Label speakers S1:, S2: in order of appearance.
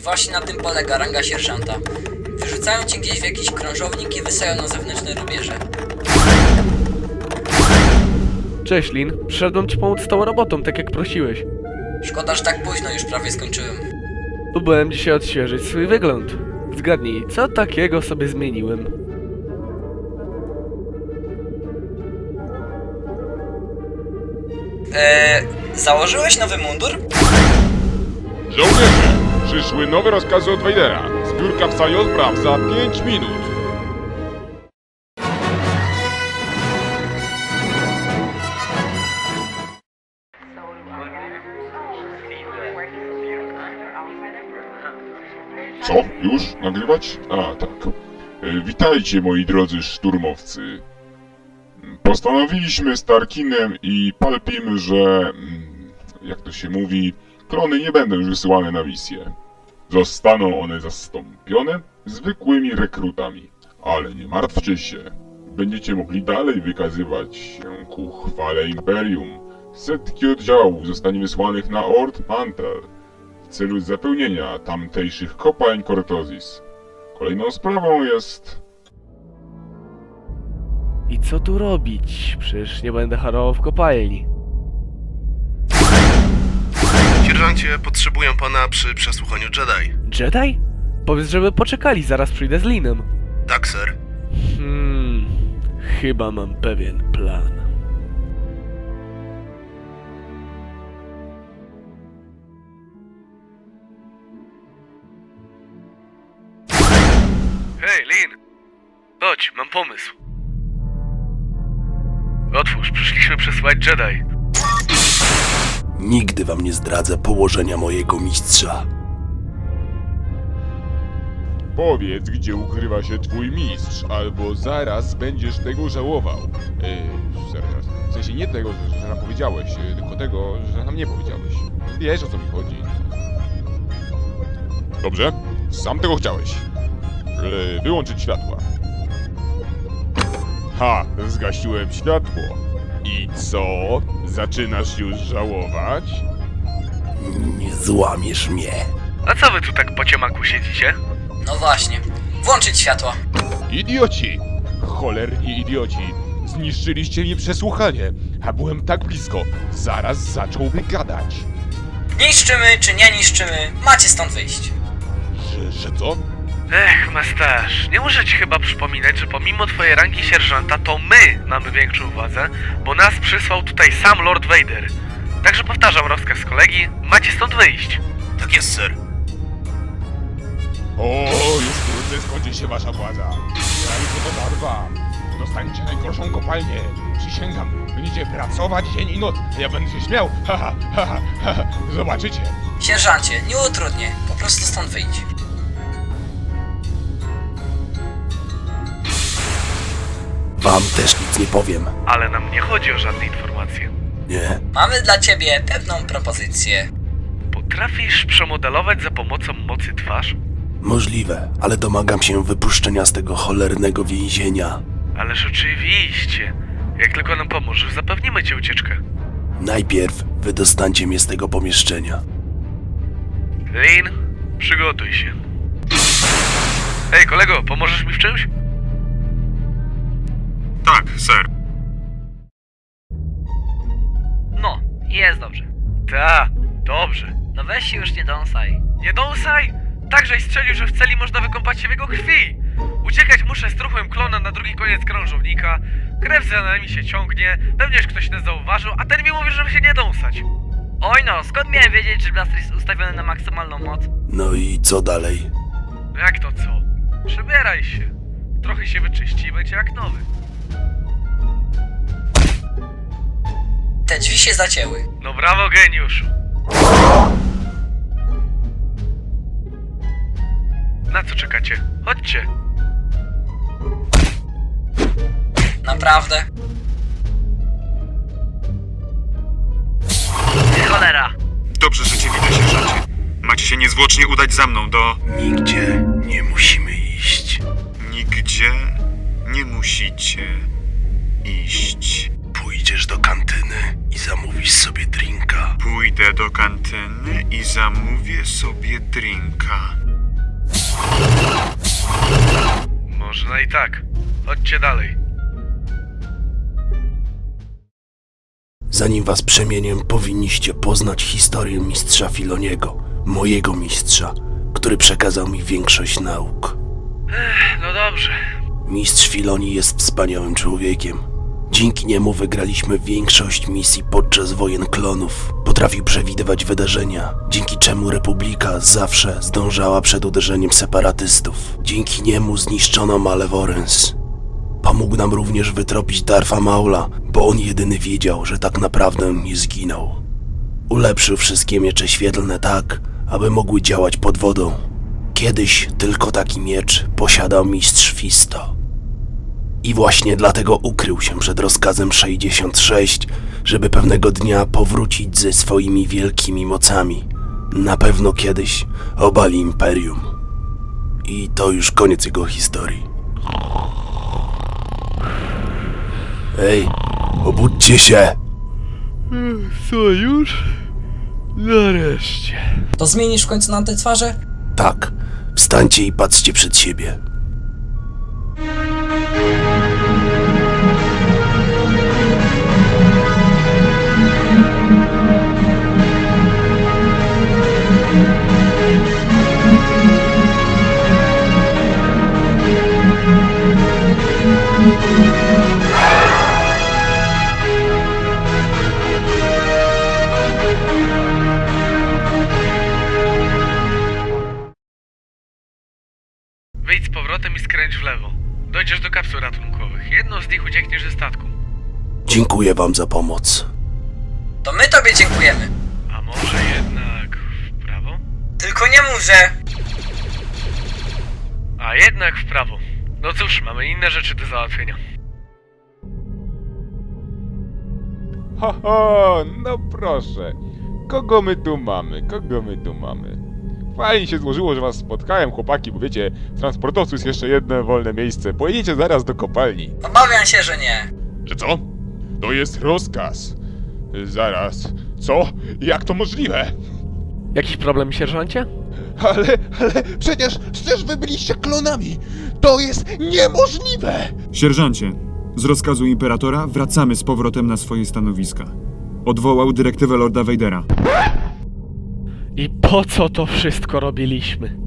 S1: właśnie na tym polega ranga sierżanta. Wyrzucają cię gdzieś w jakiś krążownik i wysyłają na zewnętrzne rubieże.
S2: Cześć, Lin. Przyszedłem ci pomóc z tą robotą, tak jak prosiłeś.
S1: Szkoda, że tak późno, już prawie skończyłem.
S2: Próbowałem dzisiaj odświeżyć swój wygląd. Zgadnij, co takiego sobie zmieniłem?
S1: Założyłeś nowy mundur?
S3: Żołnierze, przyszły nowe rozkazy od Vadera. Zbiórka w sali odpraw za 5 minut. Co? Już? Nagrywać? A, tak. Witajcie, moi drodzy szturmowcy. Postanowiliśmy z Tarkinem i Palpim, że... jak to się mówi... klony nie będą już wysyłane na misję. Zostaną one zastąpione zwykłymi rekrutami. Ale nie martwcie się. Będziecie mogli dalej wykazywać się ku chwale Imperium. Setki oddziałów zostanie wysłanych na Ord Mantell w celu zapełnienia tamtejszych kopalń Cortozis. Kolejną sprawą jest...
S2: I co tu robić? Przecież nie będę harował w kopalni.
S4: Sierżancie, potrzebują pana przy przesłuchaniu Jedi.
S2: Jedi? Powiedz, żeby poczekali, zaraz przyjdę z Linem.
S4: Tak, sir.
S2: Chyba mam pewien plan. Hej, Lin! Chodź, mam pomysł. Otwórz, przyszliśmy przesłać Jedi.
S5: Nigdy wam nie zdradzę położenia mojego mistrza.
S3: Powiedz, gdzie ukrywa się twój mistrz, albo zaraz będziesz tego żałował. Zaraz. W sensie nie tego, że nam powiedziałeś, tylko tego, że nam nie powiedziałeś. Wiesz, o co mi chodzi. Dobrze? Sam tego chciałeś. Wyłączyć światła. Ha! Zgasiłem światło. I co? Zaczynasz już żałować?
S5: Nie złamiesz mnie.
S2: A co wy tu tak po ciemaku siedzicie?
S1: No właśnie. Włączyć światła.
S3: Idioci! Cholerni idioci! Zniszczyliście mi przesłuchanie, a byłem tak blisko. Zaraz zacząłby gadać.
S1: Niszczymy czy nie niszczymy, macie stąd wyjść.
S3: Że co?
S2: Ech, masterz, nie muszę ci chyba przypominać, że pomimo twojej rangi sierżanta, to my mamy większą władzę, bo nas przysłał tutaj sam Lord Vader. Także powtarzam rozkaz kolegi, macie stąd wyjść.
S4: Tak jest, sir.
S3: O, już wkrótce skończy się wasza władza. Ja już to zarwam. Dostaniecie najgorszą kopalnię. Przysięgam, będziecie pracować dzień i noc, a ja będę się śmiał. Haha, haha, haha. Zobaczycie.
S1: Sierżancie, nie utrudnię, po prostu stąd wyjdź.
S5: Wam też nic nie powiem.
S2: Ale nam nie chodzi o żadne informacje.
S5: Nie?
S1: Mamy dla ciebie pewną propozycję.
S2: Potrafisz przemodelować za pomocą mocy twarz?
S5: Możliwe, ale domagam się wypuszczenia z tego cholernego więzienia.
S2: Ależ oczywiście. Jak tylko nam pomożesz, zapewnimy ci ucieczkę.
S5: Najpierw wydostańcie mnie z tego pomieszczenia.
S2: Lin, przygotuj się. Hej, kolego, pomożesz mi w czymś?
S4: Tak, sir.
S1: No, jest dobrze.
S2: Ta, dobrze.
S1: No weź się już nie dąsaj.
S2: Nie dąsaj! Także strzelił, że w celi można wykąpać się w jego krwi. Uciekać muszę z truchłem klona na drugi koniec krążownika. Krew za nami się ciągnie, pewnie już ktoś nas zauważył, a ten mi mówi, żeby się nie dąsać.
S1: Oj no, skąd miałem wiedzieć, że blaster jest ustawiony na maksymalną moc?
S5: No i co dalej?
S2: Jak to co? Przebieraj się. Trochę się wyczyści i będzie jak nowy.
S1: Te drzwi się zacięły.
S2: No brawo, geniuszu. Na co czekacie? Chodźcie.
S1: Naprawdę? Cholera!
S4: Dobrze, że cię widzę, sierżancie. Macie się niezwłocznie udać za mną do...
S5: Nigdzie nie musimy iść.
S4: Nigdzie nie musicie iść.
S5: Pójdziemy Pójdziesz do kantyny i zamówisz sobie drinka.
S4: Pójdę do kantyny i zamówię sobie drinka.
S2: Można i tak. Chodźcie dalej.
S5: Zanim was przemienię, powinniście poznać historię mistrza Filoniego, mojego mistrza, który przekazał mi większość nauk.
S2: No dobrze.
S5: Mistrz Filoni jest wspaniałym człowiekiem. Dzięki niemu wygraliśmy większość misji podczas wojen klonów. Potrafił przewidywać wydarzenia, dzięki czemu Republika zawsze zdążała przed uderzeniem separatystów. Dzięki niemu zniszczono Malevolence. Pomógł nam również wytropić Darfa Maula, bo on jedyny wiedział, że tak naprawdę nie zginął. Ulepszył wszystkie miecze świetlne tak, aby mogły działać pod wodą. Kiedyś tylko taki miecz posiadał mistrz Fisto. I właśnie dlatego ukrył się przed rozkazem 66, żeby pewnego dnia powrócić ze swoimi wielkimi mocami. Na pewno kiedyś obali Imperium. I to już koniec jego historii. Ej, obudźcie się!
S2: Co już? Nareszcie.
S1: To zmienisz w końcu nam te twarze?
S5: Tak, wstańcie i patrzcie przed siebie.
S2: Wyjdź z powrotem i skręć w lewo. Dojdziesz do kapsuł ratunkowych. Jedną z nich uciekniesz ze statku.
S5: Dziękuję wam za pomoc.
S1: To my tobie dziękujemy.
S2: A może jednak w prawo?
S1: Tylko nie mów, że...
S2: A jednak w prawo. No cóż, mamy inne rzeczy do załatwienia.
S6: Ho, no proszę. Kogo my tu mamy? Fajnie się złożyło, że was spotkałem, chłopaki, bo wiecie, w transportowcu jest jeszcze jedno wolne miejsce. Pojedziecie zaraz do kopalni.
S1: Obawiam się, że nie.
S6: Że co? To jest rozkaz. Zaraz. Co? Jak to możliwe?
S2: Jakiś problem, sierżancie?
S6: Ale przecież wy byliście klonami. To jest niemożliwe.
S4: Sierżancie, z rozkazu Imperatora wracamy z powrotem na swoje stanowiska. Odwołał dyrektywę Lorda Vadera.
S2: I po co to wszystko robiliśmy?